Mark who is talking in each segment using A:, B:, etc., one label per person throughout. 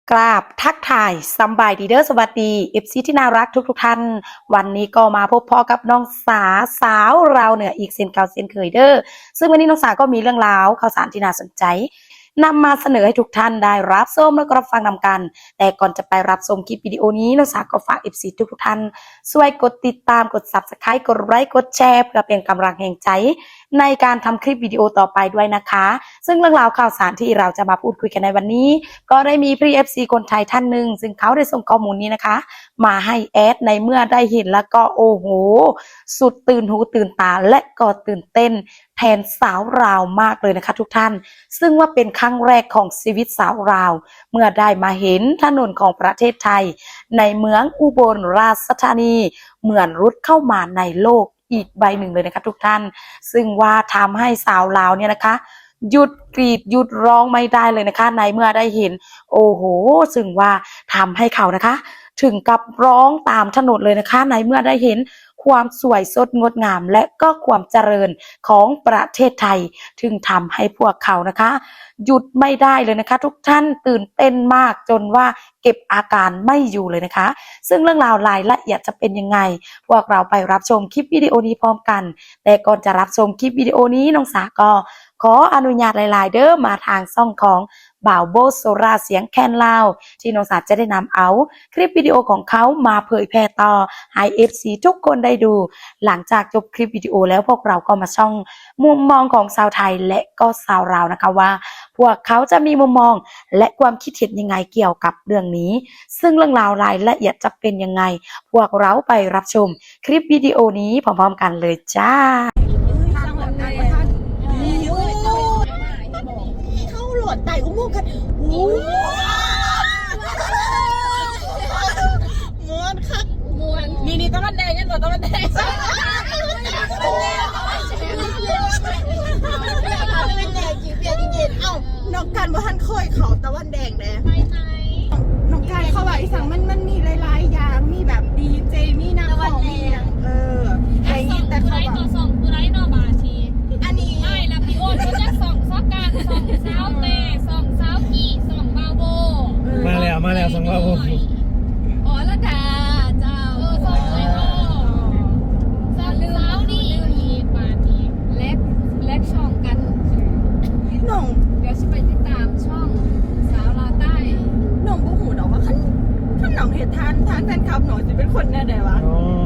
A: กราบทักทายสำบายดีเด้อสวัสดีเอฟซีที่น่ารักทุกท่านวันนี้ก็มาพบพ่อกับน้องสาวเราเนี่ยอีกเซนเก่าเซนเคยเด้อซึ่งวันนี้น้องสาก็มีเรื่องราวข่าวสารที่น่าสนใจนำมาเสนอให้ทุกท่านได้รับชมและก็รับฟังนำกันแต่ก่อนจะไปรับชมคลิปวิดีโอนี้น้องสาก็ฝากเอฟซีทุกท่านช่วยกดติดตามกด Subscribe กดไลค์กดแชร์เพื่อเป็นกำลังแห่งใจในการทำคลิปวิดีโอต่อไปด้วยนะคะซึ่งเรื่องราวข่าวสารที่เราจะมาพูดคุยกันในวันนี้ก็ได้มีพี่ FC คนไทยท่านหนึ่งซึ่งเขาได้ส่งข้อมูลนี้นะคะมาให้แอดในเมื่อได้เห็นแล้วก็โอ้โหสุดตื่นหูตื่นตาและก็ตื่นเต้นแทนสาวราวมากเลยนะคะทุกท่านซึ่งว่าเป็นครั้งแรกของชีวิตสาวราวเมื่อได้มาเห็นถนนของประเทศไทยในเมืองอุบลราชธานีเหมือนรุดเข้ามาในโลกอีกใบหนึ่งเลยนะคะทุกท่านซึ่งว่าทำให้สาวลาวเนี่ยนะคะหยุดกรีดหยุดร้องไม่ได้เลยนะคะในเมื่อได้เห็นโอ้โหซึ่งว่าทำให้เขานะคะถึงกับร้องตามถนนเลยนะคะในเมื่อได้เห็นความสวยสดงดงามและก็ความเจริญของประเทศไทยถึงทำให้พวกเขานะคะหยุดไม่ได้เลยนะคะทุกท่านตื่นเต้นมากจนว่าเก็บอาการไม่อยู่เลยนะคะซึ่งเรื่องราวรายละเอียดจะเป็นยังไงพวกเราไปรับชมคลิปวิดีโอนี้พร้อมกันแต่ก่อนจะรับชมคลิปวิดีโอนี้น้องสาก็ขออนุญาตหลายๆเด้อมาทางช่องของบ่าวโบโซราเสียงแคนลาวที่น้องสาจะได้นำเอาคลิปวิดีโอของเขามาเผยแพร่ต่อให้ FC ทุกคนได้ดูหลังจากจบคลิปวิดีโอแล้วพวกเราก็มาช่องมุมมองของชาวไทยและก็ชาวลาวนะคะว่าพวกเขาจะมีมุมมองและความคิดเห็นยังไงเกี่ยวกับเรื่องนี้ซึ่งเรื่องราวรายละเอียดจะเป็นยังไงพวกเราไปรับชมคลิปวิดีโอนี้พร้อมๆกันเลยจ้า
B: เข้าโหลดไต่อุโมงค์กันม้วนคักม้วนนี่ตะวันแดงยันตัวตะวันแดงเอ้าน้องกันว่าท่านเคยเขาตะวันแดงเลยน้องกันเขาบอกอีสังมันมีหลายๆอย่างมีแบบดีเจมีนักร้องมีอะไรอย่างแต่เขาแบบ
C: ส่องคือไรนอบาที
B: อันนี้
C: ไม่แล้วพี่โอ๊ตเขาจะส่องซอกการส่องเช้าเตะส่องเช้ากี่ส่องบาโบ
D: มาแล้วส่องบาโบ
C: อ๋อละดาเจ้าส่องเลยอ๋อส่องเช้านี่มีปาทีเล็กช่องกัน
B: น้อง
C: เดี๋ยวจะไปติดตามช่องสาวลาวใต้
B: น้องบูหูดอกว่าขั้นน้องเหตุทานแฟนคลับหนูจะเป็นคนแน่ใดวะ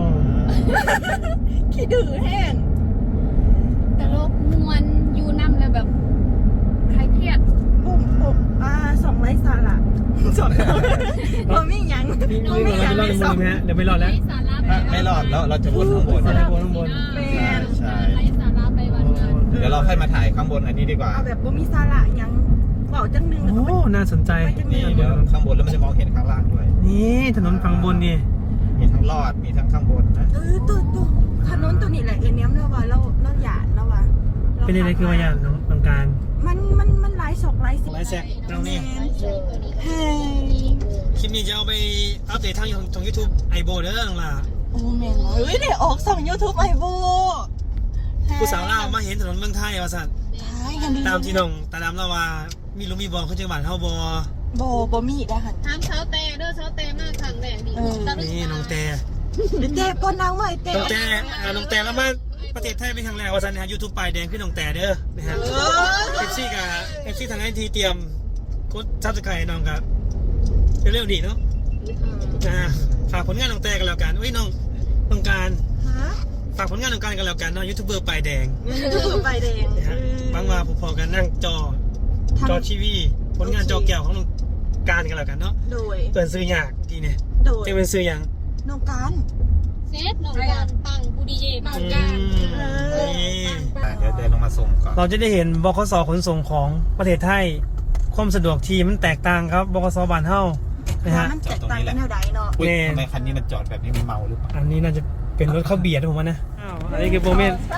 B: ขี้ดื้อแห้ง
C: ตลกมวนยูน้ำเลยแบบใครเครียด
B: ปุ่มส่งไร้สาระส่งพอไม่ยัง
D: ไม่ยังไม่ส่งเดี๋ยวไม่รอดแล้ว
E: ไม่รอดแล้วเราจะวนข้างบน
D: ข้างบน
E: ใช่
C: ไร้สาระไปวันนั้น
E: เดี๋ยวเราค่อยมาถ่ายข้างบนอันนี้ดีกว่า
B: เอาแบบบ่มีสาระยังเบาจังนึง
D: โอ้น่าสนใจ
E: นี่เดี๋ยวข้างบนแล้วมันจะมองเห็นข้างล่างด้วย
D: นี่ถนนฝั่งบนนี่
E: มีทั้งลอดมีทั้งข้างบนนะ
B: ตัวถนนตัวนี้แหละเนี้ยเราว่าเราหยาดเราว่า
D: เป็นอะไรคือว่าอย่างน้องการ
B: มันหลายศอกหลายสิ
D: หลายแสกตรงนี้
B: เฮ้
D: คลิปนี้จะเอาไปอัปเดตทางของ YouTube ไอโบเด้อล่ะ
B: โอ้แม่เดี๋ยวออกส่อง YouTube ไอโบ
D: ผู้สาวลาวมาเห็นถนนเมืองไทยว่าสั่นตามที่น้องตาดำเล่าว่ามีลุงมีบอลเขาจังหวัดเฮา
B: บ่มีได้ค่ะ
C: ถามเช้าเตะเด้อเช้าเตะมากครั้งแรกดิ
D: นี่น้องแต่
B: ก่อนนางใหม่
D: น้องแต่แล้วมาประเทศไทยเป็นครั้งแรกว่าสั่นนะฮะ YouTube ปลายแดงขึ้นน้องแต่เด้อนะฮะFC กับ FC ทางไอทีเตรียมกดซับสไครต์น้องครับเร็วๆดีเนาะฝากผลงานน้องแต่กันแล้วกันเฮ้ยน้องการฝากผลงานน้องการกันแล้วกันเนาะยูทูบเบอร์ปลายแดงนะฮะบางว่าพอกันนั่งจอทีวีผลงานจอแก้วของน้องการกันแล้วกันเนาะ
B: โดย
D: เปิดซื้อยากทีเนี่ยจะเป็นซื้อยัง
B: น้องการ
C: เซตน้องการปังปูดีเย่ปังการ
E: เดี๋ยวเดินลงมาส่งก่อน
D: เราจะได้เห็นบขส.ขนส่งของประเทศไทยความสะดวกทีมันแตกต่างครับบขส.บ้านเฮานะฮะ
B: มันแตกต่างกันแนวใดเนาะ
E: ทำไมคันนี้มันจอดแบบนี้มันเมาหรือเปล่า
D: อันนี้น่าจะเป็นรถเข้าเบียดผมว่านะอันนี้คือโมเมนต์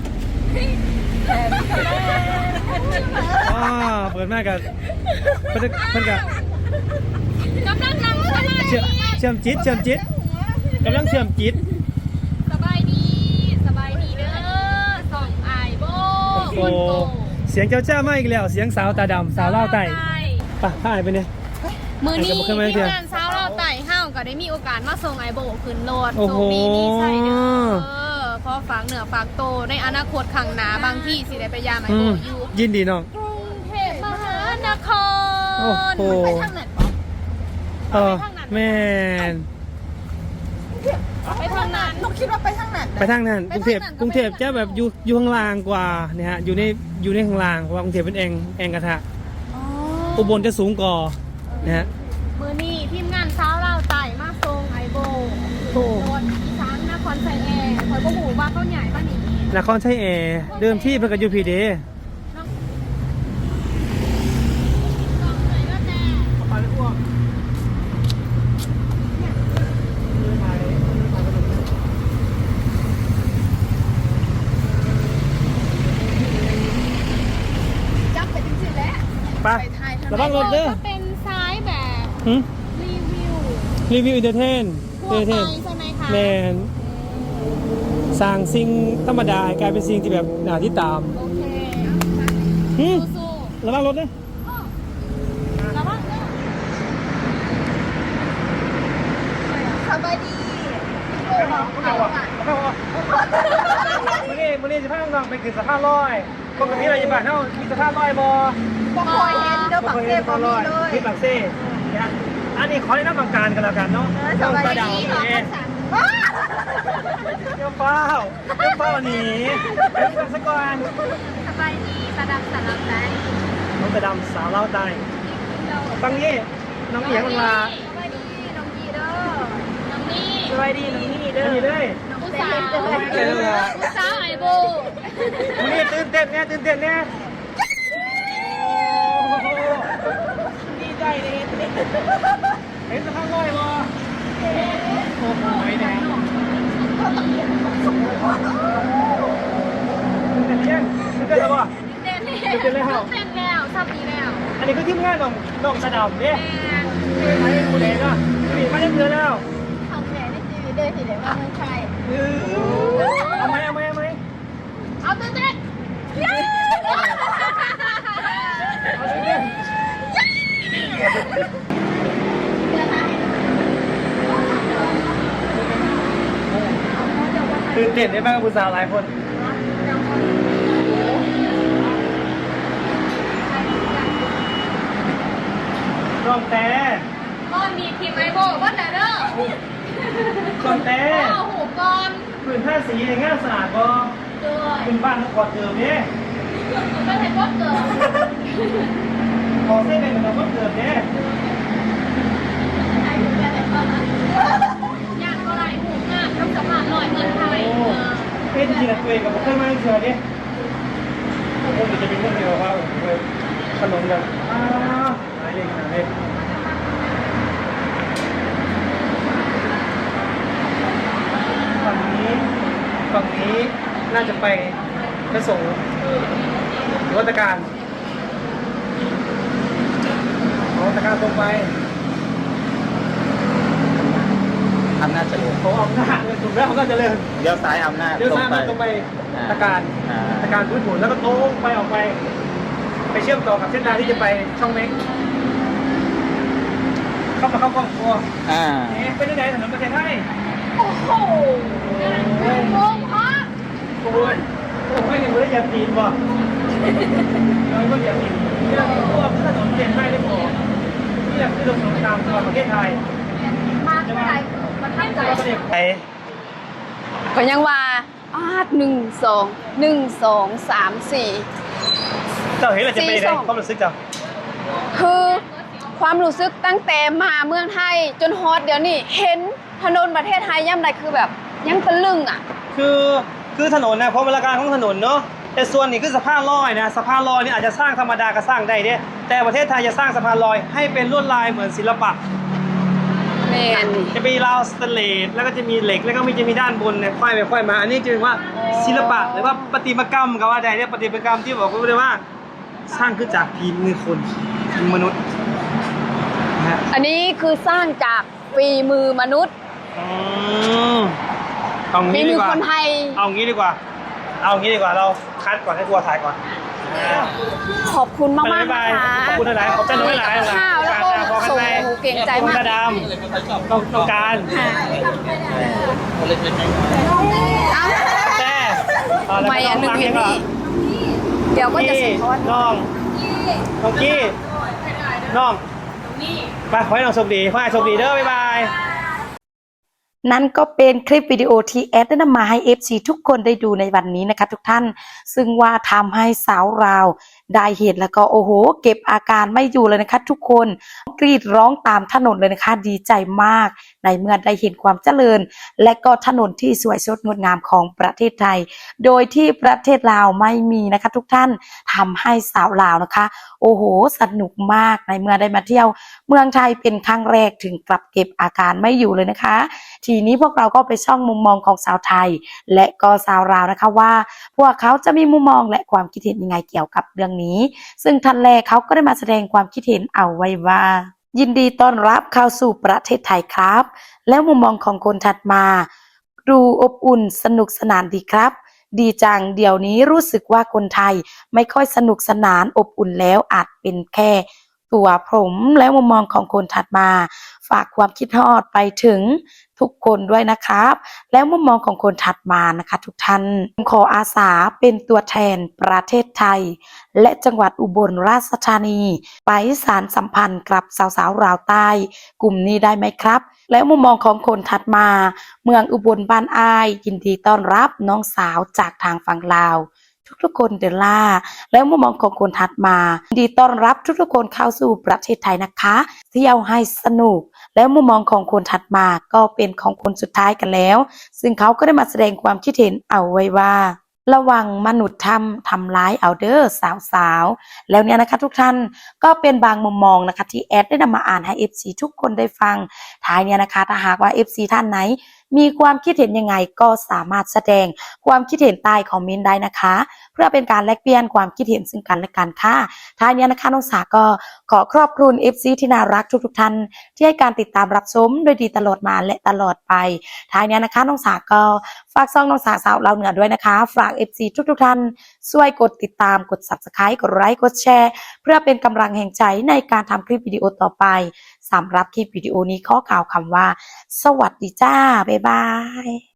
D: เปิดมากกันเพิ่นกับ
C: กำลังนั่งสบาย
D: เชื่อมจิตกำลังเชื่อมจิต
C: สบายดีเด้อส่องไอโบคนโต
D: เสียงเจ้ามาอีกแล้วเสียงสาวตาดำสาวเล่าไต่ป่ะถ่ายไปเนี่ย
C: มือนี้
D: ไอ้ก็บ่เคยมาเที่
C: ที่
D: ยว
C: งานเช้าเราไต่ห้าวก็ได้มีโอกาสมาส่งไอโบขึ้นรถ
D: โอ้โห
C: ส่งดีมีใส่เด้อพอฝากเหนือฝากโตในอนาคตข้างหน้าบางที่สิได้ไปยามไอโบอยู่
D: ยินดีน้อง
C: กรุงเทพมหานคร
D: โอ้โห
C: ไปทางไหนปะ
D: แม่น
C: ไปทางนั้น
B: นกคิดว่าไปทางไหน
D: ไปทางนั้นกรุงเทพ
C: ไปทางนั้น
D: กรุงเทพจะแบบอยู่ข้างล่างกว่าเนี่ยฮะอยู่ในข้างล่างเพราะว่ากรุงเทพเป็นแองกระทะอุบลจะสูงกว่านะฮะ
C: มือนี้ทีมงานเช้าเราไต่มาส่งไอโบ
D: โอ้
C: รถอีสานนครไซแอร์คอยก็หูว่าเขาใหญ่ป่ะนี่
D: นครชัยแอร์เดิมที่เพิ่นก็อยู่พีเด
C: ต้องเลยก็แต่
B: จับไปจริงๆแล้ว
D: ไประวังรถเด้อ
C: ก็เป็นซ้ายแบบ
D: หึ
C: รีวิว
D: รีวิวอินเตอร์เทน
C: ทั่วไปใช่ไหมคะ
D: แมนสร้างสิ่งธรรมดาให้กลายเป็นสิ่งที่แบบน่าที่ตาม
C: โอเค
D: หึ
C: สู้
D: ระวังรถเด้อ
C: ๆระวังเด้อ
B: สบายดี
D: มื้อนี้สิพาน้องๆไปขึ้นสะพานลอยปกติเราอยู่บ้านเฮามีสะพานลอยบ่
B: บ่คอยเห็นเด้อปักเซ่บ่มีเลย
D: ที่ปากเซ่นะฮะอันนี้ขอแนะนำบางการกันแล้วกันเนาะ
B: สบายดี
D: เดี๋ยวเป้าหนีเดี๋ยวสักก่อน
C: สบายดีสะดับสะดับใจ
D: น้องตะดำสาวเล่าใต้ฟังนี้น้องเอียงมันมา
C: สบายดีน้องกีเด้อน้องนี่
D: สบายดีน้องนี่เด้อนี่เลย
C: น้องผู้สาวผู้สาวไอโบ
D: วันนี้ตื่นเต้นเนี่ยดีใจเลยเห็นสะพานลอยบ่โอ้โหแดงตื่นเต้นแล้วบ่
C: เต้นแล้วเต้นแล้วทราบดีแล้ว
D: อันนี้คือทีมงานน้องสะดำเนี่ย
C: แม่
D: ไม่ได้กูเองอ่ะนี่มาเล่นเรือแล้ว
B: ทำแผลในชีวิตเด้อสิได้ว่าเมืองไทย
D: เอาไหม
C: เอาเต้นเต้น
D: เอาเล่นตื่นเต้นได้บ้างกับผู้สาวหลายคนน้องแต่
C: ก้อนมีทีมไอโบก้อนไหนเด้อ
D: น้องแต่
C: เอาหูก้อน
D: ผืนผ้าสีในงานสาดบ่
C: ด้วย
D: เป็นบ้านต้องกอดเติมเนี่ย
C: ไม่เห็นว่าเกิด
D: ขอเส้นเป็นเหมือนกับเติมเนี่ย
C: ย่างก็ไรหูงามต้องสะพานลอยเงินไทย
D: เป็นจริงๆตัวเองกับผมเคยมาเชื่อเนี่ยผมจะเป็นคนเดียวว่าขนมแบบหายเลยขนาดนี้ฝั่งนี้น่าจะไปส่งวัตการตรงไป
E: อำนาจเจริญ
D: เขาเอาหน้าเลยถูกแล้วเขาก็จะเริ่ม
E: เลี้ยวซ้ายอำนาจ
D: เลี้ยวซ้ายมาตรงไปตะการพื้นผุนแล้วก็ตรงไปออกไปเชื่อมต่อกับเส้นทางที่จะไปช่องเม็กเข้ากล้องครัว เป็นยังไงถนนประเทศไทย
C: โอ้โหงงพัก
D: โอ้ยไม่ได้เหยียบตีนบ่เราก็เหยียบตีนที่เราพวกถนนประเทศไทยได้พอที่เราคือถนนตามตัวประเทศไทย
C: มาเท่าไหร่มาท่าไหร่
D: ประเทศไทย
F: ก็ยังว่า1 2 3 4
D: เจ้าเห็นอะไรจะเป็นยังไงความรู้สึกเจ้า
F: คือความรู้สึกตั้งแต่มาเมืองไทยจนฮอตเดี๋ยวนี้เห็นถนนประเทศไทยย่ำใดคือแบบยังตะลึงอ่ะ
D: คือถนนนะเพราะเวลาการของถนนเนาะแต่ส่วนนี้คือสะพานลอยนะสะพานลอยนี่อาจจะสร้างธรรมดาก็สร้างได้เนี่ยแต่ประเทศไทยจะสร้างสะพานลอยให้เป็นลวดลายเหมือนศิลปะ
F: แมน
D: จะมีราวสแตนเลสแล้วก็จะมีเหล็กแล้วก็จะมีด้านบนเนี่ยค่อยไปค่อยมาอันนี้จึงว่าศิลปะหรือว่าประติมากรรมก็ว่าได้เนี่ยประติมากรรมที่บอกว่าสร้างขึ้นจากฝีมือคนฝีมือมนุษย์นะฮะ
F: อันนี้คือสร้างจากฝีมือมนุษย์
D: เอา
F: ฝี
D: งี้
F: มื
D: ดี
F: อก
D: ว่า
F: คนไทย
D: เอางี้ดีกว่าเราคัดก่อนให้ทัวร์ถ่ายก่อน
F: ขอบคุณมากๆนะคะ
D: ขอบคุณหลายๆขอบใจน้อยหลายๆ
F: ข้าวแล้วก็
D: พอกัน
F: ส่ง
D: ไป
F: หมูเก่งใจ
D: น้อง
F: มาก
D: กระดำน้องการแต่แล้ว
F: ไม่
D: ก็
F: อันหนึง
D: ฟัง
F: เห็น
D: ก่อ
F: นี่เดี๋ยวก็จะสะท้อน
D: น้องกี้น้องไปขอให้น้องโชคดีขอให้โชคดีเด้อบ๊ายบาย
A: นั่นก็เป็นคลิปวิดีโอที่แอดได้นำมาให้ FC ทุกคนได้ดูในวันนี้นะคะทุกท่านซึ่งว่าทำให้สาวราวได้เห็นแล้วก็โอ้โหเก็บอาการไม่อยู่เลยนะคะทุกคนกรีดร้องตามถนนเลยนะคะดีใจมากในเมื่อได้เห็นความเจริญและก็ถนนที่สวยสดงดงามของประเทศไทยโดยที่ประเทศลาวไม่มีนะคะทุกท่านทำให้สาวลาวนะคะโอ้โหสนุกมากในเมื่อได้มาเที่ยวเมืองไทยเป็นครั้งแรกถึงกลับเก็บอาการไม่อยู่เลยนะคะทีนี้พวกเราก็ไปช่องมุมมองของสาวไทยและก็สาวลาวนะคะว่าพวกเขาจะมีมุมมองและความคิดเห็นยังไงเกี่ยวกับเรื่องนี้ซึ่งท่านแรกเขาก็ได้มาแสดงความคิดเห็นเอาไว้ว่ายินดีต้อนรับเข้าสู่ประเทศไทยครับแล้วมุมมองของคนถัดมาดูอบอุ่นสนุกสนานดีครับดีจังเดี๋ยวนี้รู้สึกว่าคนไทยไม่ค่อยสนุกสนานอบอุ่นแล้วอาจเป็นแค่ตัวผมแล้วมุมมองของคนถัดมาฝากความคิดฮอดไปถึงทุกคนด้วยนะครับแล้วมุมมองของคนถัดมานะคะทุกท่านขออาสาเป็นตัวแทนประเทศไทยและจังหวัดอุบลราชธานีไปสานสัมพันธ์กับสาวๆราวใต้กลุ่มนี้ได้ไหมครับแล้วมุมมองของคนถัดมาเมืองอุบลบ้านอ้ายยินดีต้อนรับน้องสาวจากทางฝั่งลาวทุกๆคนเดลล่าแล้วมุมมองของคนถัดมายินดีต้อนรับทุกๆคนเข้าสู่ประเทศไทยนะคะเที่ยวให้สนุกแล้วมุมมองของคนถัดมาก็เป็นของคนสุดท้ายกันแล้วซึ่งเขาก็ได้มาแสดงความคิดเห็นเอาไว้ว่าระวังมนุษย์ทำร้ายเอาเด้อสาวๆแล้วเนี่ยนะคะทุกท่านก็เป็นบางมุมมองนะคะที่แอดได้นำมาอ่านให้ FC ทุกคนได้ฟังท้ายเนี่ยนะคะถ้าหากว่า FC ท่านไหนมีความคิดเห็นยังไงก็สามารถแสดงความคิดเห็นใต้คอมเมนต์ได้นะคะเพื่อเป็นการแลกเปลี่ยนความคิดเห็นซึ่งกันและกันค่ะท้ายนี้นะคะน้องสาก็ขอขอบคุณ FC ที่น่ารักทุกท่านที่ให้การติดตามรับชมโดยดีตลอดมาและตลอดไปท้ายนี้นะคะน้องสาก็ฝากซ่องน้องสาสาวเราเหนือด้วยนะคะฝาก FC ทุกท่านช่วยกดติดตามกด Subscribe กดไลค์กดแชร์เพื่อเป็นกำลังแห่งใจในการทำคลิปวิดีโอต่อไปสำหรับคลิปวิดีโอนี้ขอกล่าวคำว่าสวัสดีจ้าบ๊ายบาย